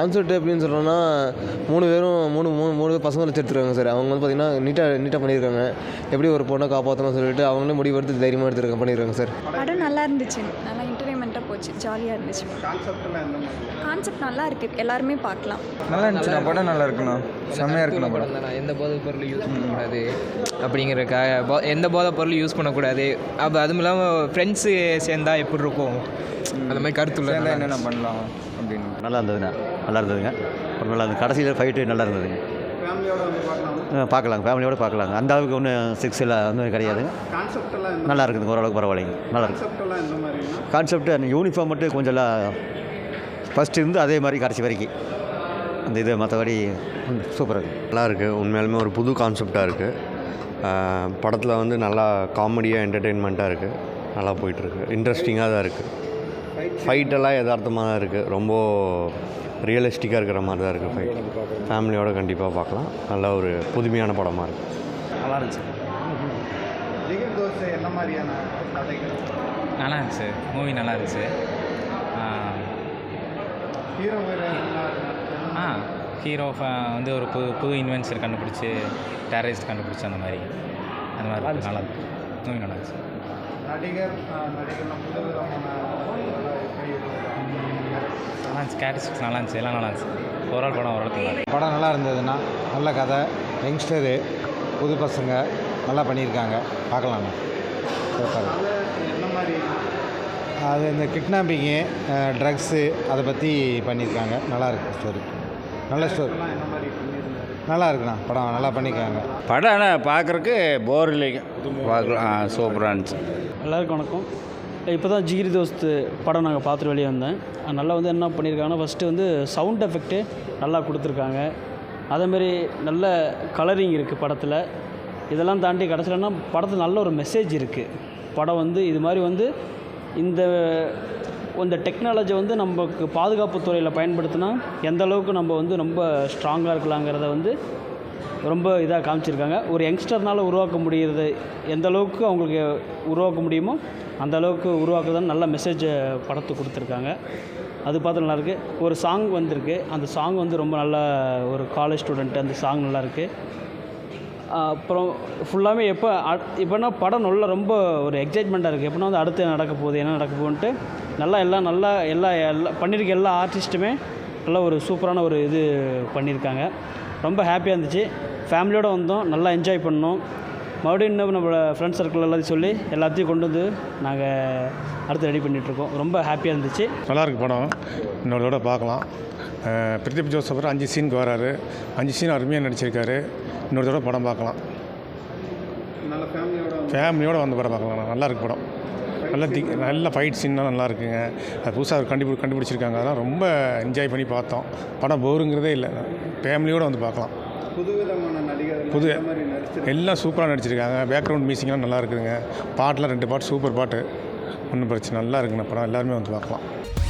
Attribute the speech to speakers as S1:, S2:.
S1: Concept எப்படின்னு சொல்கிறோன்னா 3 பேரும் 3 பேர் பசங்களை வச்சு எடுத்துருக்காங்க சார். அவங்க வந்து பார்த்திங்கன்னா நீட்டாக பண்ணியிருக்காங்க. எப்படி ஒரு பொண்ணை காப்பாற்றணும்னு சொல்லிட்டு அவங்களே முடிவெடுத்து தைரியமாக எடுத்துருக்காங்க பண்ணியிருக்காங்க சார்.
S2: படம் நல்லா இருந்துச்சு, நல்லா என்டர்டைன்மெண்ட்டாக போச்சு, ஜாலியாக இருந்துச்சு. கான்செப்ட் நல்லா இருக்குது, எல்லாருமே பார்க்கலாம்.
S3: நல்லா இருந்துச்சுண்ணா, படம் நல்லா இருக்குண்ணா, செம்மையாக இருக்குண்ணா படம்.
S4: எந்த போதைப் பொருளும் யூஸ் பண்ணக்கூடாது அப்படிங்கிறக்காக எந்த போதைப் பொருளும் யூஸ் பண்ணக்கூடாது. அப்போ அதுவும் இல்லாமல் ஃப்ரெண்ட்ஸு சேர்ந்தா எப்படி இருக்கும் அந்த மாதிரி கருத்துள்ள
S3: என்னென்ன பண்ணலாம் அப்படின்னு
S5: நல்லா இருந்ததுங்க. அப்புறம் நல்லா இருந்தது. கடைசியில் ஃபைட்டு நல்லா இருந்ததுங்க. பார்க்கலாங்க, ஃபேமிலியோடு பார்க்கலாங்க. அந்த அளவுக்கு ஒன்றும் செக்ஸில் ஒன்றும் கிடையாதுங்க. நல்லா இருக்குதுங்க, ஓரளவுக்கு பரவாயில்லைங்க, நல்லா இருக்குது. கான்செப்ட் அந்த யூனிஃபார்ம் மட்டும் கொஞ்சம் ஃபஸ்ட்டு இருந்து அதே மாதிரி கடைசி வரைக்கும் அந்த இது மற்றபடி சூப்பராக இருக்குது.
S6: நல்லா இருக்குது. உண்மையாலுமே ஒரு புது கான்செப்டாக இருக்குது. படத்தில் வந்து நல்லா காமெடியாக என்டர்டெயின்மெண்ட்டாக இருக்குது. நல்லா போயிட்டுருக்கு, இன்ட்ரெஸ்டிங்காக தான் இருக்குது. ஃபைட்டெல்லாம் யதார்த்தமாக தான் இருக்குது, ரொம்ப ரியலிஸ்டிக்காக இருக்கிற மாதிரி தான் இருக்குது ஃபைட். ஃபேமிலியோடு கண்டிப்பாக பார்க்கலாம். நல்ல ஒரு புதுமையான படமாக இருக்குது.
S3: நல்லா இருந்துச்சு. என்ன மாதிரியான
S7: நல்லா இருந்துச்சு, மூவி நல்லா இருந்துச்சு. ஹீரோ வந்து ஒரு புது இன்வென்ஷன் கண்டுபிடிச்சி டெரரிஸ்ட் கண்டுபிடிச்சி அந்த மாதிரி நல்லா இருக்கு. மூவி நல்லா இருந்துச்சு. நல்லா இருந்துச்சு, கேரக்டர்ஸ் நல்லா இருந்துச்சு, எல்லாம் நல்லா இருந்துச்சு. ஓவரால் படம்
S8: நல்லா இருந்ததுன்னா, நல்ல கதை, யங்ஸ்டரு, புது பசங்க நல்லா பண்ணியிருக்காங்க, பார்க்கலாங்க. அது இந்த கிட்னாப்பிங்கு, ட்ரக்ஸு அதை பற்றி பண்ணியிருக்காங்க. நல்லா இருக்குது ஸ்டோரி, நல்ல ஸ்டோரி, நல்லா இருக்குண்ணா. படம் நல்லா பண்ணியிருக்காங்க.
S9: படம் ஆனால் பார்க்குறக்கு போர் இல்லைங்க, பார்க்கலாம். சூப்பராக இருந்துச்சு.
S10: எல்லாருக்கும் வணக்கம். இப்போ தான் ஜிகிரி தோஸ்து படம் நாங்கள் பார்த்துட்டு வெளியே வந்தேன். நல்லா வந்து என்ன பண்ணியிருக்காங்கன்னா, ஃபஸ்ட்டு வந்து சவுண்ட் எஃபெக்ட்டு நல்லா கொடுத்துருக்காங்க. அதேமாரி நல்ல கலரிங் இருக்குது படத்தில். இதெல்லாம் தாண்டி கடைசியிலன்னா படத்தில் நல்ல ஒரு மெசேஜ் இருக்குது. படம் வந்து இது மாதிரி வந்து இந்த டெக்னாலஜி வந்து நமக்கு பாதுகாப்பு துறையில் பயன்படுத்தினா எந்த அளவுக்கு நம்ம வந்து ரொம்ப ஸ்ட்ராங்காக இருக்கலாங்கிறத வந்து ரொம்ப இதாக காமிச்சிருக்காங்க. ஒரு யங்ஸ்டர்னால் உருவாக்க முடிகிறது எந்த அளவுக்கு அவங்களுக்கு உருவாக்க முடியுமோ அந்த அளவுக்கு உருவாக்குதான் நல்ல மெசேஜை படத்துக்கு கொடுத்துருக்காங்க. அது பார்த்து நல்லாயிருக்கு. ஒரு சாங் வந்திருக்கு, அந்த சாங் வந்து ரொம்ப நல்லா, ஒரு காலேஜ் ஸ்டூடெண்ட்டு, அந்த சாங் நல்லாயிருக்கு. அப்புறம் ஃபுல்லாமே இப்போனா படம் நல்லா ரொம்ப ஒரு எக்ஸைட்மெண்ட்டாக இருக்குது. எப்படின்னா வந்து அடுத்து நடக்க போகுது, என்ன நடக்க போகுன்ட்டு எல்லாம் பண்ணியிருக்க எல்லா ஆர்டிஸ்ட்டுமே நல்லா ஒரு சூப்பரான ஒரு இது பண்ணியிருக்காங்க. ரொம்ப ஹாப்பியாக இருந்துச்சு. ஃபேமிலியோடு வந்தோம், நல்லா என்ஜாய் பண்ணோம். மறுபடியும் இன்னும் நம்மளோட ஃப்ரெண்ட்ஸ் சர்க்கிள் எல்லாத்தையும் சொல்லி எல்லாத்தையும் கொண்டு வந்து நாங்கள் அடுத்து ரெடி பண்ணிகிட்ருக்கோம். ரொம்ப ஹாப்பியாக இருந்துச்சு.
S11: நல்லாயிருக்கு படம், இன்னொரு தடவை பார்க்கலாம். பிரதீப் ஜோசப் 5 சீனுக்கு வராரு, 5 சீன் அருமையாக நடிச்சிருக்காரு. இன்னொரு தடவை படம் பார்க்கலாம். ஃபேமிலியோடு வந்து படம் பார்க்கலாம். நல்லா இருக்கு படம். நல்ல ஃபைட் சீன்லாம் நல்லா இருக்குங்க. அது புதுசாக கண்டுபிடிச்சிருக்காங்க. அதெல்லாம் ரொம்ப என்ஜாய் பண்ணி பார்த்தோம். படம் போருங்கிறதே இல்லை, ஃபேமிலியோடு வந்து பார்க்கலாம். புது எல்லாம் சூப்பராக நடிச்சிருக்காங்க. பேக்ரவுண்ட் மியூசிக்லாம் நல்லா இருக்குதுங்க. பாட்டெலாம் 2 பாட்டு சூப்பர் பாட்டு, ஒன்றும் பிரச்சனை நல்லா இருக்குங்க. படம் எல்லாருமே வந்து பார்க்கலாம்.